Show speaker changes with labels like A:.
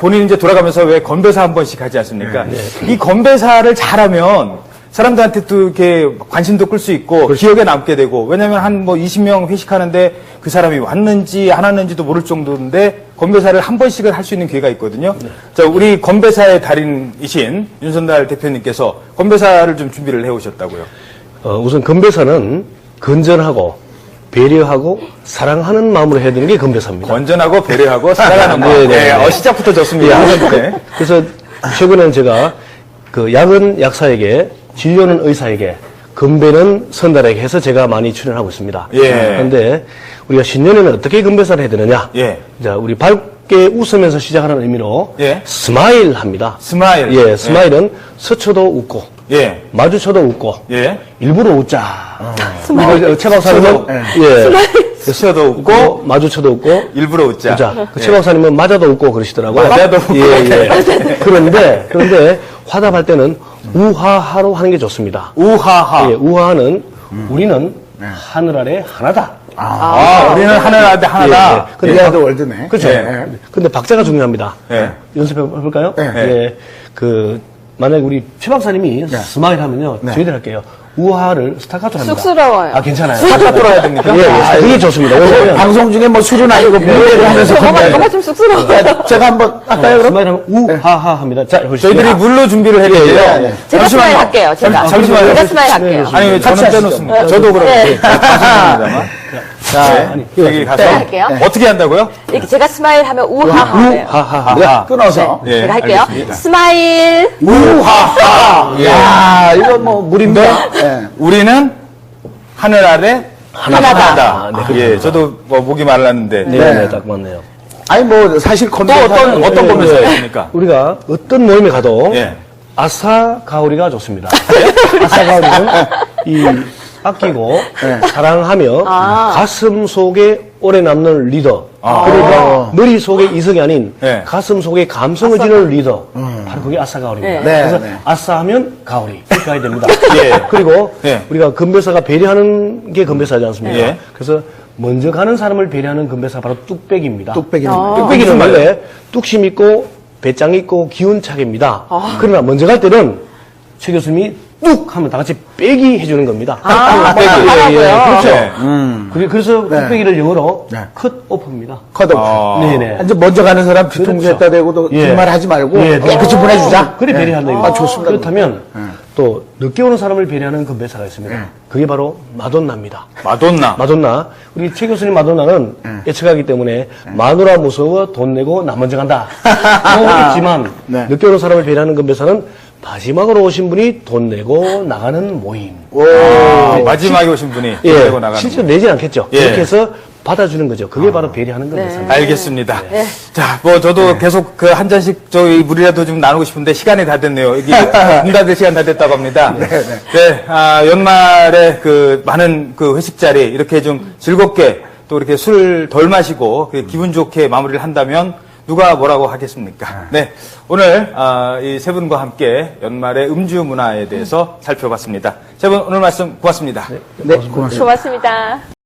A: 본인이 이제 돌아가면서 왜 건배사 한 번씩 하지 않습니까? 이 건배사를 잘하면 사람들한테 또 이렇게 관심도 끌 수 있고 기억에 남게 되고, 왜냐면 한 뭐 20명 회식하는데 그 사람이 왔는지 안 왔는지도 모를 정도인데 건배사를 한 번씩은 할 수 있는 기회가 있거든요. 자, 우리 건배사의 달인이신 윤선달 대표님께서 건배사를 좀 준비를 해 오셨다고요.
B: 우선 건배사는 건전하고 배려하고 사랑하는 마음으로 해야 되는 게 건배사입니다.
A: 건전하고 배려하고 사랑하는 마음. 네, 시작부터 좋습니다. 네.
B: 그래서 최근에는 제가 그 약은 약사에게, 진료는 의사에게, 건배는 선달에게 해서 제가 많이 출연하고 있습니다.
A: 예.
B: 그런데 우리가 신년에는 어떻게 건배사를 해야 되느냐?
A: 예.
B: 자, 우리 밝게 웃으면서 시작하는 의미로
A: 예.
B: 스마일 합니다.
A: 스마일.
B: 예, 스마일은 스쳐도 웃고,
A: 예.
B: 마주쳐도 웃고,
A: 예.
B: 일부러 웃자.
C: 스마일.
B: 최 박사님은 예.
A: 스쳐도 웃고,
B: 마주쳐도 웃고,
A: 일부러 웃자.
B: 웃자. 최 박사님은 맞아도 웃고 그러시더라고요.
A: 맞아도 웃고.
B: 예. 그런데 화답할 때는 우하하로 하는 게 좋습니다.
A: 우하하.
B: 예, 우하는 우리는 하늘 아래 하나다.
A: 우리는 하늘 아래 하나다.
B: 예, 예. 근데
C: 이해도 월드네.
B: 그렇죠.
C: 예.
B: 근데 박자가 중요합니다.
A: 예.
B: 연습해 볼까요?
C: 예.
B: 만약에 우리 최 박사님이 스마일 하면요. 저희들 할게요. 우하를 스타카토로 합니다.
D: 쑥스러워요.
B: 아, 괜찮아요.
A: 스타카토로 해야 됩니까?
B: 예, 예. 그게 좋습니다. 왜냐면
C: 방송 중에 뭐 술은 아니고 노래를 하면서
D: 저가 좀 쑥스러워요.
C: 제가 한번 할까요, 그럼?
B: 스마일 하면 우하하 합니다. 자, 보시죠.
A: 저희들이 물로 준비를 해드릴게요.
B: 예, 예.
D: 제가 스마일 할게요.
A: 잠시만요.
D: 제가 스마일 할게요.
A: 아니, 왜 저는 빼놓습니까? 저도 그럼.
D: 네.
A: 죄송합니다만. 자, 여기 가서.
D: 네, 할게요.
A: 어떻게 한다고요?
D: 이렇게 제가 스마일 하면 우하하예요.
B: 우하하.
C: 끊어서.
A: 예,
D: 제가 할게요.
A: 알겠습니다.
D: 스마일.
C: 야, 이거 뭐 물입니다. 예.
A: 우리는 하늘 아래
D: 하나다.
A: 예, 저도 뭐 목이 말랐는데.
B: 네, 딱 맞네요.
C: 아니, 뭐, 사실
A: 또
C: 건배사는
A: 어떤 건배사 있습니까?
B: 우리가 어떤 모임에 가도
A: 예.
B: 아사 가오리가 좋습니다. 아사 가오리는 이 아끼고 사랑하며 가슴 속에 오래 남는 리더. 그러니까 머릿속에 이성이 아닌
A: 네.
B: 가슴 속에 감성을 지는 리더. 바로 그게 아사 가오리입니다.
D: 네.
B: 그래서
C: 네.
B: 아사 하면 가오리. 이렇게 가야 됩니다.
A: 예.
B: 그리고
A: 예.
B: 우리가 건배사가 배려하는 게 건배사지 않습니까?
A: 예.
B: 그래서 먼저 가는 사람을 배려하는 건배사가 바로 뚝배기입니다.
C: 뚝배기는
B: 뚝배기는 원래 뚝심 있고 배짱 있고 기운차게입니다. 그러나 먼저 갈 때는 최 교수님이 뚝 하면 다 같이 빼기 해주는 겁니다.
A: 빼기.
D: 하라고요?
B: 그렇죠. 그래서 뚝배기를 영어로
C: 네.
B: 컷 오프입니다.
C: 컷오프.
B: 네네.
C: 이제 먼저 가는 사람 뒤통수 했다 대고 또
B: 예.
C: 그 말 하지 말고
B: 예,
C: 그치 보내주자.
B: 그래 배려한다 이거.
C: 아, 좋습니다.
B: 그렇다면 또 늦게 오는 사람을 배려하는 건배사가 있습니다. 그게 바로 마돈나입니다.
A: 마돈나.
B: 마돈나. 우리 최 교수님 마돈나는 예측하기 때문에 마누라 무서워 돈 내고 나 먼저 간다. 뭐 있지만
C: 네.
B: 늦게 오는 사람을 배려하는 건배사는 마지막으로 오신 분이 돈 내고 나가는 모임.
A: 마지막에 오신 분이
B: 예,
A: 내고 나가는.
B: 실제로 내진 않겠죠.
A: 예.
B: 그렇게 해서 받아주는 거죠. 그게 바로 배려하는 건배사입니다.
A: 알겠습니다. 자, 뭐 저도 계속 그 한 잔씩 저희 물이라도 좀 나누고 싶은데 시간이 다 됐네요. 이게 문 닫을 시간 다 됐다고 합니다. 네, 연말에 그 많은 그 회식 자리 이렇게 좀 즐겁게 또 이렇게 술 덜 마시고 기분 좋게 마무리를 한다면 누가 뭐라고 하겠습니까? 네, 오늘 이 세 분과 함께 연말의 음주 문화에 대해서 살펴봤습니다. 세 분 오늘 말씀 고맙습니다.
C: 네, 고맙습니다.
D: 고맙습니다.